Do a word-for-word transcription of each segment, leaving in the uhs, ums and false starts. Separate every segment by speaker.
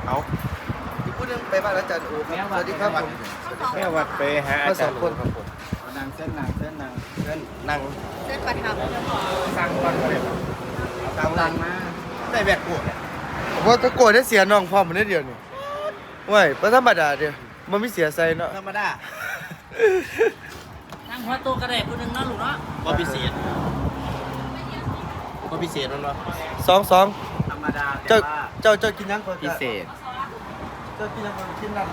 Speaker 1: เอา
Speaker 2: อีกผู้นึงไปบ้านอาจารย์โอครับสวัสดีครับผม
Speaker 1: แม่วัดไปหาอาจารย์คนครับผม
Speaker 3: นางเส้นนางเส้นนาง
Speaker 1: เพื่อนนั่ง
Speaker 4: เส้นประทับ
Speaker 1: สร้างบ้านก็เลยครับ
Speaker 3: ตามรังมา
Speaker 1: ได้แบกกูเนี่ย
Speaker 2: ผมว่าตะโกนได้เสียน้องพ่อมันนิดเดียวนี่ว้ยประธรรมดาเดียวมันไม่เสียใจเนาะ
Speaker 1: ธรรมดา
Speaker 5: นั่งหัวโตกระเดะผู้หนึ่งเนาะลูกเนาะ
Speaker 1: บ่พิเศษบ่พิเศษนั่นเนาะ
Speaker 2: สองสอง
Speaker 3: ธรรมดา
Speaker 2: เจ้าเจ้าเจ้ากินยังก่อน
Speaker 3: พิเศษ
Speaker 2: เจ้ากินยังก่อนกินนั่นแหละ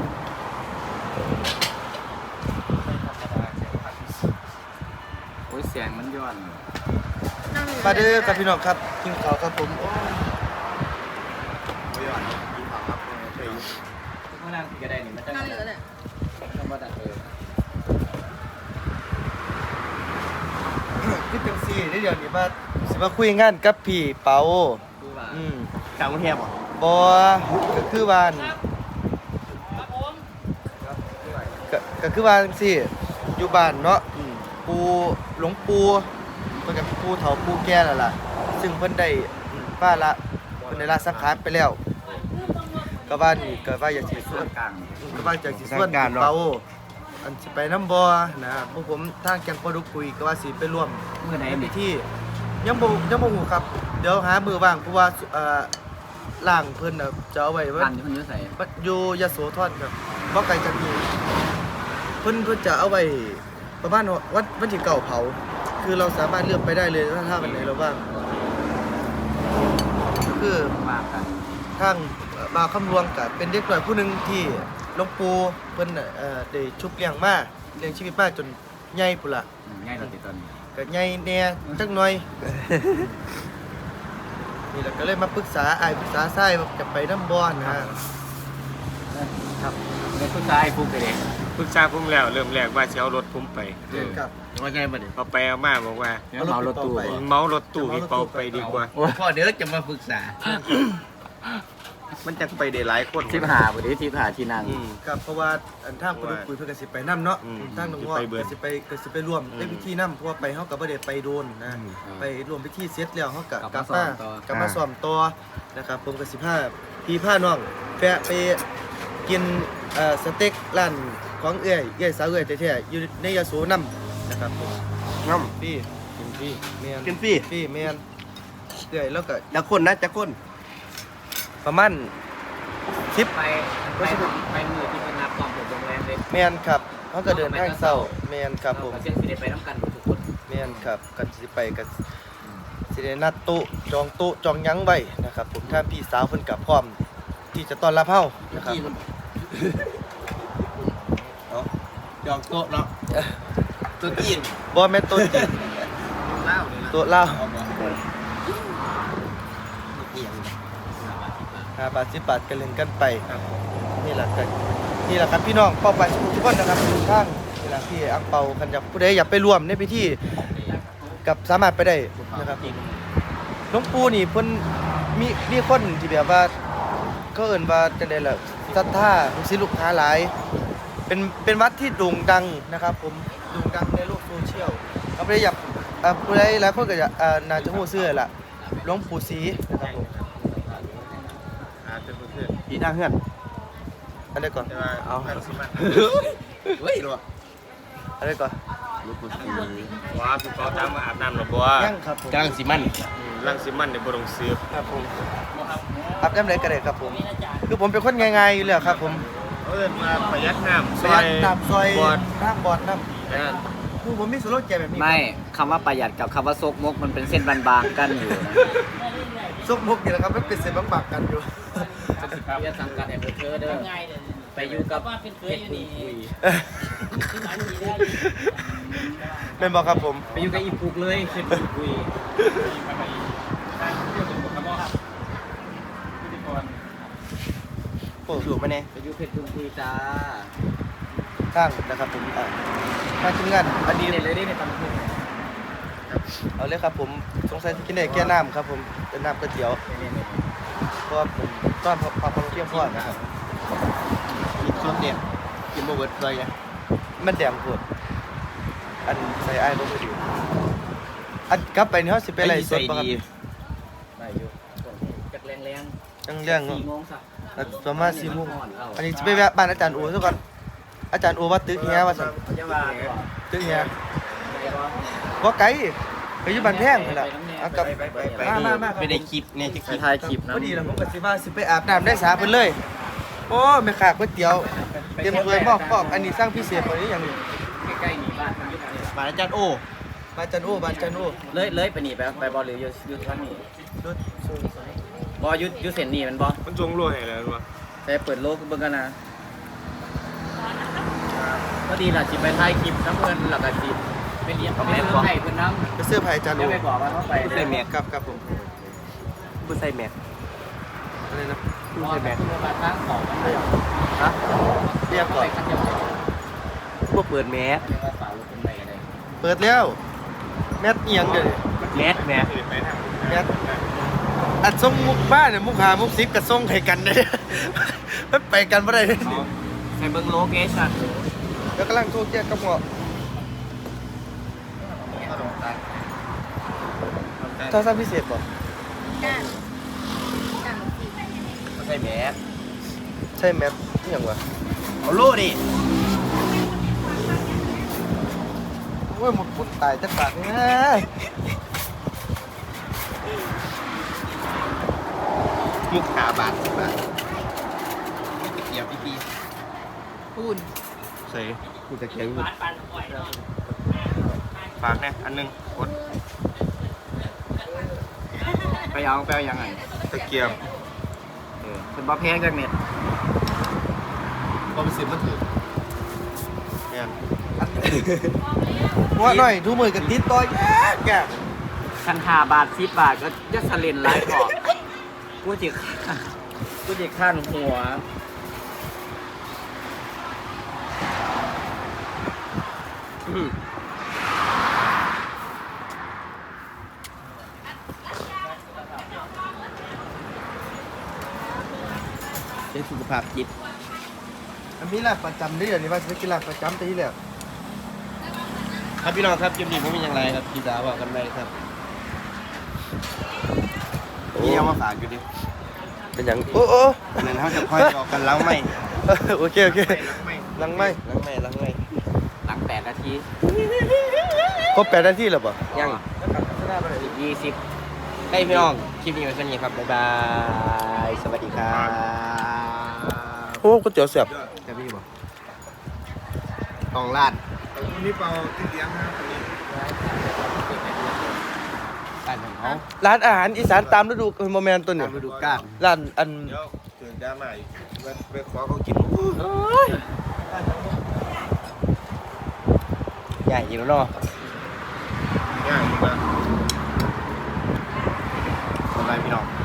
Speaker 3: โอ้ยเสียงมันย้อน
Speaker 2: มาเด้อครับพี่น้องครับกินข้าวครับผมโอ้
Speaker 1: ไม่ย้อนกินข้าวครับเคย
Speaker 3: ทุกคนนั่งก็ได้นี่มันจะ
Speaker 4: นั่นเหลือเนี่ย
Speaker 3: ธรรมดาเออ
Speaker 2: คิดจังซี่นิดเดียวนี่ว่าสิมาคุยงานกับพี่เปา
Speaker 3: ดูว่า
Speaker 2: อืม
Speaker 1: จากกรุงเทพเหรอ
Speaker 2: บ่ก็คือว่าอั่น
Speaker 5: ครับผม
Speaker 2: ก็ก็คือว่าจังซี่อยู่บ้านเนาะอืมปู่หลวงปู่เพิ่นก็ปู่เฒ่าปู่แก่แล้วล่ะซึ่งเพิ่นได้อืมป้าละเพิ่นได้ละสังขารไปแล้วก็ว่านี่ก็ว่าอยากสิส
Speaker 3: ส่
Speaker 2: ว
Speaker 3: วน นกลาง
Speaker 2: ก็ว่าจากสิส่วนพี่เปาอันสิไปน้ำบ่อนะพวกผมทางแกงปลาดุกคุยก็ว่าสิไปร่วม
Speaker 3: เมื่อไหร่
Speaker 2: ในพิ
Speaker 3: นี่
Speaker 2: ธียังบ่ยังบ่ฮู้ครับ เดี๋ยวหามือว่างเพราะว่าเอ่อล่างเพิ่นน่ะจะเอาไว้ว่า
Speaker 3: กันที่คนเยอะใส่
Speaker 2: อยู่ยโสธรครับบ่ไกลจากนี้เพิ่นเพิ่นจะเอาไว้ประมาณวันวันที่เก้าเผา คือเราสามารถเลือกไปได้เลยถ้าถ้าวันไหนเราว่างก็คือ
Speaker 3: ว่ากัน
Speaker 2: ทางเอ่อบาวคำลวงกับเป็นเด็กหน่อยผู้หนึ่งที่หลวงปู่เพิ่นน่ะเอ่อได้ชุบเลี้ยงมาเลี้ยงชีวิตมาจนใหญ่พุ่นล่ะ
Speaker 3: ง่ายเราติดตอนนี้
Speaker 2: ก็ใหญ่แหน่จักหน่อย นี่แหละก็เลยมาปรึกษาอ้ายปรึกษาทรายว่าจะไปน้ำบ่อนนะฮะ
Speaker 3: ครับในผู้ชายปุ๊กเด็ก
Speaker 1: ปรึกษาผมแล้วเริ่มแรกว่าจะเอารถผมไป
Speaker 2: ครับ
Speaker 1: ว่าไงบัดนี้พอไปเอามาบอกว่า
Speaker 3: เนี่ยเมารถตู้
Speaker 1: เมารถตู้พี่เปาไปดีกว่า
Speaker 3: พ่อเดี๋ยวจะมาปรึกษา
Speaker 1: มันจะไปได้หลายคน
Speaker 3: ทิพหาบุตรทิพหาที่นั่ง
Speaker 1: อืม
Speaker 2: ครับเพราะว่าอันทางปดุกคุยเพิ่นก็สิไปนํเนาะ
Speaker 1: อืม
Speaker 2: ทางน้อง
Speaker 1: สิ
Speaker 2: งอ
Speaker 1: ไปเบิด
Speaker 2: ก็สิไปก็สิไปร่วม
Speaker 1: อืม
Speaker 2: ในพิธีนํเพราะว่าไปเฮาก็บ่ได้ไปโดนนะ
Speaker 1: อืม
Speaker 2: ไปร่วมพิธีเสร็จแล้วเฮาก็ก
Speaker 3: กลั
Speaker 2: ลั
Speaker 3: บบ มา
Speaker 2: มา
Speaker 3: ซ้อมต่อ
Speaker 2: กลับมาซ้อมต่อนะครับผมก็สิพาพี่พาน้องแวะไปกินเอ่อสเต็กร้านของเอื้อยเอื้อยสาวเอื้อยแท้ๆอยู่ในยโสนํนะครับผม
Speaker 1: น้
Speaker 2: พี่
Speaker 1: ำกินพี่
Speaker 2: แม่น
Speaker 1: กินพี่
Speaker 2: พี่แม่นเอื้อยแล้วก็
Speaker 1: จะคนนะจะคน
Speaker 2: ประมาณสิบ
Speaker 3: ไปไปไปมือที่เป็นนับกองผมโรงแรมเลย
Speaker 2: แม่นครับเฮาก็เดินทางเช้าแม่นครับผม
Speaker 3: เส้นที่ได้ไปน้ำกันทุกคน
Speaker 2: แม่นครับกันสิไปกันสิได้นัดโต๊ะจองโต๊ะจองหยังไว้นะครับผมถ้าพี่สาวเพิ่นกับพร้อมที่จะต้อนรับเฮานะครับ
Speaker 1: เอาจองโต๊ะเนาะตัวจีน
Speaker 2: บ่แม่นโต๊ะจริง
Speaker 1: เล่าเลยนะ
Speaker 2: โต๊ะลาว
Speaker 1: เอาบ่เอียง
Speaker 2: ห้าบาทสิบบาทกันเล่นกันไปนี่แหละกันนี่แหละครับพี่น้องเป้าหมายทุกคนนะครับทุกทางนี่แหละพี่อังเปาคันอยากผู้ใดอยากไปร่วมในพิธีกับสามารถไปได้นะครับหลวงปู่นี่เพิ่นมีมีคนที่แบบว่าเขาเอิ้นว่าจังได๋ล่ะศรัทธาลูกศิษย์ลูกหาหลาย เป็นเป็นวัดที่โด่งดังนะครับ ผมโด่งดังในโลกโซเชียลเราไม่ได้อยากเอ่อผู้ใดหลายคนก็จะเอ่อน่าจะฮู้ชื่อแหละหลวงปู่ศรีนะครับผม
Speaker 1: อาจจะเพื่อนพี่ทางเพื่อน
Speaker 2: อันใดก่อน
Speaker 1: แต่ว่า
Speaker 2: เอา
Speaker 1: ทางสิมันเฮ้ยหรอ
Speaker 2: อันใดก่อน
Speaker 1: ลูกผู้ชายว้าพี่เปาตามมาอาบน้ำหรอบ่
Speaker 2: ยังครับผม
Speaker 1: กลางสิมันลังสิมันในบ่ต้องซื้อ
Speaker 2: ครับผมอาบน้ำไหนก็ได้ครับผมคือผมเป็นคนง่ายๆอยู่แล้วครับผม
Speaker 1: เอิ้นมาประหยัดน้ำ
Speaker 2: ซอยน้ำซอย
Speaker 1: บอด
Speaker 2: น้ำบอดน้
Speaker 1: นั่น
Speaker 2: ำคือผมมีสโลแกนแบบนี้
Speaker 3: ไม่คำว่าประหยัดกับคำว่าซกมกมันเป็นเส้นบางๆกันอยู่นะ
Speaker 2: ซกมุกนี่แหละครับมันเป็นเส้นบางๆกันอยู่
Speaker 3: เรียนสังกัดแอมเบอร์เธอร์เด้อ
Speaker 5: ง่ายเลย
Speaker 3: ไปอยู่กับ
Speaker 5: ว่าเป็นเคยอยู่นี่
Speaker 3: คุย
Speaker 5: ที่หมายดีได้
Speaker 2: เป็นบอกครับผม
Speaker 3: ไปอยู่กับอีปุกเลยเคยคุยคุย
Speaker 2: โอ้สูงมาเนี่ย
Speaker 3: ไปอยู่เพชรคุยคุยจ้า
Speaker 2: ข้างนะครับผมอ่ะมาทีมงานอัน
Speaker 3: ดี
Speaker 2: นี้
Speaker 3: เลยเลยในตำนาน
Speaker 2: เอาเลยครับผมสงสัยจะกินได้แค่น้ำครับผมเป็นน้ำก๋วยเตี๋ยวเพราะว่าผมต้อนความความเที่ยงพ่อนะครับ
Speaker 1: กินส้มเด็ดกินบ่เบิดเลยไง
Speaker 2: มันแดงปวดอันใส่ไอ้ายบ่ค่อยดีอันกลับไปนี่เฮาสิไปไล่สดบ่ครับ
Speaker 3: ได้อยู่จักแรงแรง
Speaker 2: จังเรื่อง
Speaker 3: สี่โมงสัก
Speaker 2: ประมาณสี่โมงอันนี้จะไปแวะบ้านอาจารย์โอซะก่อนอาจารย์โอว่าตึกเฮียว่าสั่น
Speaker 3: จะว่าตัว
Speaker 2: ตึกเฮียบ่ไกลไปอยู่บ้านแพงนั่นแหละเอากลับมามามา
Speaker 1: ไปได้คลิปเนี่ยจะคลิป
Speaker 3: ถ่ายคลิปนะ
Speaker 2: พอดีแล้วผมก็สิว่าสิไปอาบน้ำได้สาเพิ่นเลยโอ้แม่ค้าก๋วยเตี๋ยวเตรียมถ้วยหม้อพอกอันนี้สร้างพิเศษกว่านี้อย่างนี้
Speaker 3: ใกล้ๆนี่บ้านมันอยู่ไหน
Speaker 1: มาอาจารย์โอ
Speaker 2: บ้านจันโอบ้านจันโอ
Speaker 3: เลยเลยไปนี่ไปไปบอลหรืออยู่อยู่ทางนี้
Speaker 2: รถสูง
Speaker 3: บออยู่อยู่เส้นนี้มันบอ
Speaker 1: มันจงรวยอะไรวะ
Speaker 3: แต่เปิดโลกเบิ่งกันนะก็ดีล่ะสิไปถ่ายคลิปน้ำเงินหลักสิไปเรียนไปเสื้อไผ่เพิ่นน้ำ
Speaker 2: ไปเสื้อผ้าอาจารย์โอ
Speaker 3: เดี๋ยวไปบอกว่าเขาไป
Speaker 1: ใส่แมส
Speaker 2: ครับครับผม
Speaker 1: บุใส่แมส
Speaker 2: อะไรนะ
Speaker 3: รอแต่คุณมาทางของมันเลย
Speaker 2: ฮะเรียกก่อน
Speaker 3: ขั้นเดียว
Speaker 1: พวกเปิดแมส
Speaker 3: เรียกว่าฝ่าลูกเป็นไปอะไร
Speaker 2: เปิดแล้วแมทเอียงเด้อ
Speaker 1: แมสแมส
Speaker 2: แมทอัดส่งมุกบ้านเนี่ยมุกหามุกซิปกับส่งให้กันเด้อ มันไปกันบ่ได้เด้อ
Speaker 1: ใส่เบิ้งโลเคชั่น
Speaker 2: แล้วกำลังโทรแจ้งกับหมอโทรศัพท์พิเศษบ่
Speaker 1: ใส่แมส
Speaker 2: ใช่แมทอีหยังวะ
Speaker 1: เอาโล่ดิ
Speaker 2: โอ้ยหมดคนตายจักบาทเนี่ย
Speaker 1: มุกขาบาทสิบบาทตะเกียบพี่พี่
Speaker 5: ปูน
Speaker 1: ใส่กูตะเกียบ
Speaker 5: ปานปานหอยเนาะ
Speaker 1: ฝากนะอันหนึงกด
Speaker 3: ไปเอาไปเอายังไง
Speaker 1: ตะเกียบ
Speaker 3: เออเป็นบอแพงจากเน็ต
Speaker 1: พอไปสิบมันถือเนี่ย
Speaker 2: ว่าหน่อยทุกมือกันติดต่อยแยกแยก
Speaker 3: คันหาบาทสิบบาทก็จะสเลนไลฟ์ออกกูจิกูจิขั้นหัว
Speaker 1: อืม
Speaker 3: เป็นสุขภาพจิต
Speaker 2: อันนี้แหละประจำเด้อนี่ว่าจะกินหลักประจำตีแล้ว
Speaker 1: ครับพี่น้องครับคลิปนี้ผมมีอย่างไรครับพี่สาวบอกกันไปครับพี่เอามาฝากอยู่ดิ
Speaker 2: เป็นอย่างโอ้โอ้
Speaker 1: อันนั้นเขาจะคอยออกกันแล้วไหม
Speaker 2: โอเคโอเคลังไม่
Speaker 1: ล้างไม่ล้างไม่
Speaker 3: หลังแปดนาที
Speaker 2: ครบแปดนาทีแล้วป่ะ
Speaker 1: ยัง
Speaker 3: อีกยี่สิบ
Speaker 1: ให้พี่น้องคลิปนี้ไว้แค่นี้ครับบ๊ายบายสวัสดีครับ
Speaker 2: โอ้ก๋วยเตี๋ยวเสียบ
Speaker 1: จะพี่บอกตองลาดวันนี้เปล่าที่เลี้ยงนะวันนี้การของเขา
Speaker 2: ร้านอาหารอีสานตามฤดูโมเมนต์ตัว
Speaker 1: ตา
Speaker 2: นี้
Speaker 1: มฤดูกาล
Speaker 2: ร้านอัน
Speaker 1: เดี๋ยวถึงดราม่าอีกไปขอเขากินใหญ่อยู่แล้วเนาะง่ายอยู่นะสบายพี่น้อง